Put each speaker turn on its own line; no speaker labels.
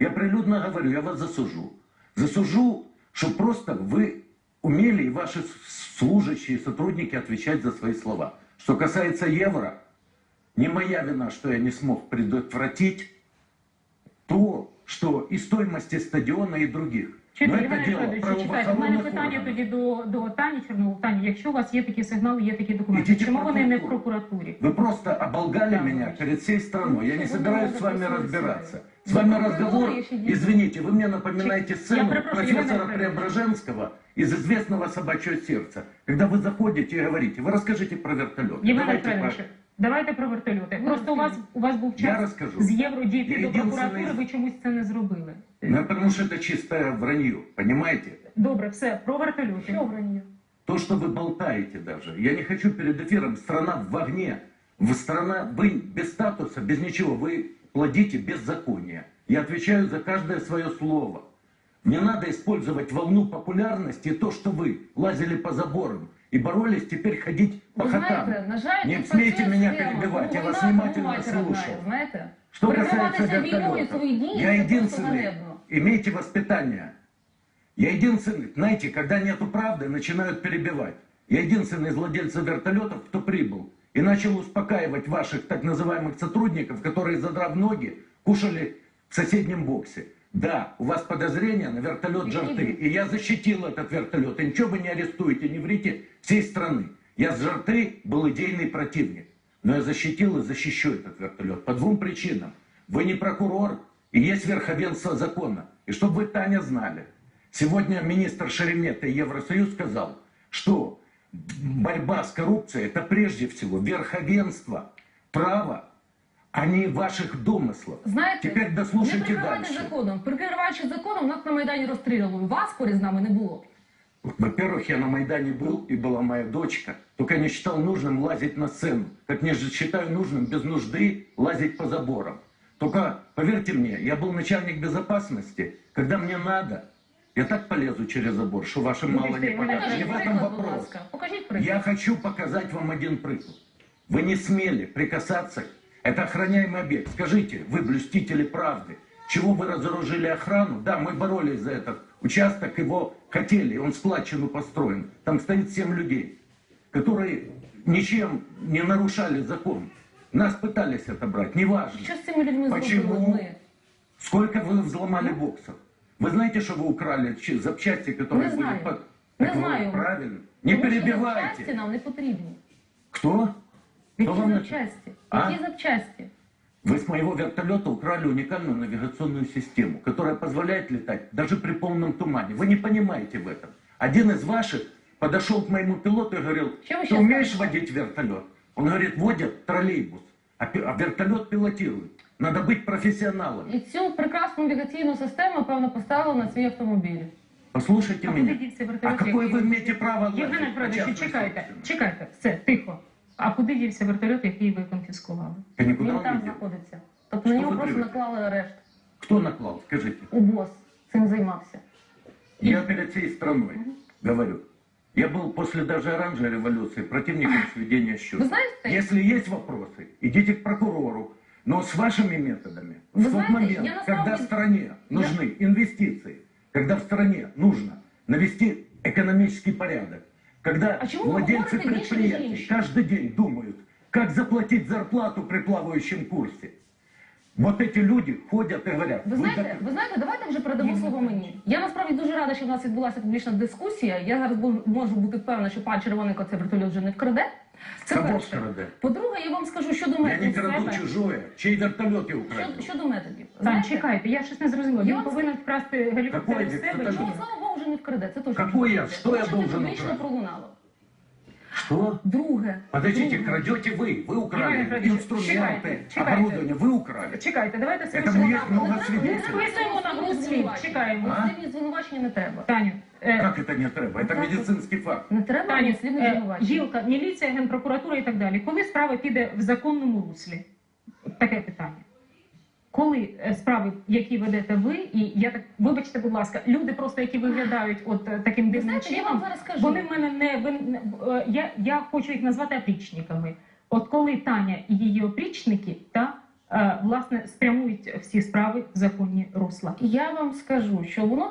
Я прилюдно говорю, я вас засужу. Засужу, что просто вы умели и ваши служащие, сотрудники отвечать за свои слова. Что касается евро, не моя вина, что я не смог предотвратить то, что и стоимости стадиона, и других.
Чекайте, у мене питання тоді до Тані Чорновол. Тані, якщо у вас є такі сигнали, є такі документи, чому вони не в прокуратурі?
Вы просто оболгали меня перед всей страной. Я не собираюсь с вами разбираться. С вами разговор, извините, вы мне напоминаете сцену профессора Преображенского из «Известного собачьего сердца». Когда вы заходите и говорите, вы расскажите про вертолет.
Давайте про вертольоти. Просто у вас був час з євро дійти до прокуратури, ви чомусь це не зробили.
Ну, потому что это чистое вранье, понимаете?
Добре, все, про вертольоти.
Що вранье?
То, что вы болтаете даже. Я не хочу перед эфиром, страна в огне. Вы без статуса, без ничего, вы плодите беззаконие. Я отвечаю за каждое свое слово. Не надо использовать волну популярности и то, что вы лазили по заборам и боролись теперь ходить по хатам. Не смейте меня перебивать, я вас внимательно слушал. Что касается вертолета, я единственный, имейте воспитание. Я единственный, знаете, когда нету правды, начинают перебивать. Я единственный из владельцев вертолетов, кто прибыл и начал успокаивать ваших так называемых сотрудников, которые, задрав ноги, кушали в соседнем боксе. Да, у вас подозрения на вертолет «Жарты», и я защитил этот вертолет. И ничего вы не арестуете, не врите всей страны. Я с «Жарты» был идейный противник, но я защитил и защищу этот вертолет по двум причинам. Вы не прокурор, и есть верховенство закона. И чтобы вы, Таня, знали, сегодня министр Шеремета и Евросоюз сказал, что борьба с коррупцией – это прежде всего верховенство права, а не ваших домыслов.
Знаєте,
теперь дослушайте
не
дальше.
законом. Прикриваючи законом, нас на Майдані розстрілювали. Вас поряд з нами не було.
Во-первых, я на Майдане был, и была моя дочка. Только я не считал нужным лазить на сцену. Как не считаю нужным без нужды лазить по заборам. Только, поверьте мне, я был начальник безопасности. Когда мне надо, я так полезу через забор, что вашим мало не покажет. Не в этом вопрос. Я хочу показать вам один приклад. Вы не смели прикасаться. Это охраняемый объект. Скажите, вы блюстители правды. Чего вы разоружили охрану? Да, мы боролись за этот участок, его хотели, он сплачен и построен. Там стоит 7 людей, которые ничем не нарушали закон. Нас пытались отобрать, неважно.
Что с этими людьми
почему? Сколько вы взломали боксов? Вы знаете, что вы украли запчасти, которые
не
были
под...
Не знаю. Правильно. Не перебивайте.
Запчасти нам не потрібні.
Кто?
Які запчасти? Які запчасти?
Вы с моего вертолета украли уникальную навигационную систему, которая позволяет летать даже при полном тумане. Вы не понимаете в этом. Один из ваших подошел к моему пилоту и говорил, ты умеешь водить вертолет? Он говорит, водят троллейбус, а вертолет пилотирует. Надо быть профессионалом.
І цю прекрасну навігаційну систему, певно, поставили на свій автомобіль.
Послушайте меня. А какое вы имеете право лазить?
Євгене Федоровичу, чекайте, все, тихо. А куди дівся вертольот, який ви конфіскували?
Він
там знаходиться. Тобто на нього просто наклали арешт.
Хто наклав, скажите?
УБОС цим займався.
Я перед всей страной говорю. Я был после даже оранжевой революции противником сведения счетов. Если есть вопросы, идите к прокурору. Но с вашими методами, в тот момент, когда в стране нужны инвестиции, когда в стране нужно навести экономический порядок, когда владельцы предприятий каждый день думают, как заплатить зарплату при плавающем курсе. Вот эти люди ходять і говорять.
Ви знаєте, давайте вже передамо слово мені. Я насправді дуже рада, що в нас відбулася публічна дискусія. Я зараз можу бути впевнена, що пан Червоненко цей вертольот вже не вкраде. Це перше. По-друге, я вам скажу щодо методів.
Я не краду чужое. Чий вертольот я украду?
Щодо методів.
Так, чекайте, я щось не зрозуміла. Він повинен вкрасти гелікоптер з себе?
Чого, слава Богу, вже не вкраде. Це точно.
Какой я? Что я должен
украсть? Пролунало.
Что?
Друге.
Подождите, крадете вы украли инструменты, оборудование, вы украли.
Чекайте, давайте
Этому есть много свидетелей.
Списуємо на груз слів, чекаємо.
Звинувачення не треба.
Таню.
Как это не треба? Это медицинский факт.
Не треба
Таню,
звинувачення.
Гілка, міліція, Генпрокуратура і так далі. Коли справа піде в законному руслі? Таке питання. Коли справи, які ведете ви, і я так, вибачте, будь ласка, люди просто, які виглядають от таким дивним чином, вони в мене не, я хочу їх назвати опричниками. От коли Таня і її опричники, власне спрямують всі справи в законні русла?
Я вам скажу, що воно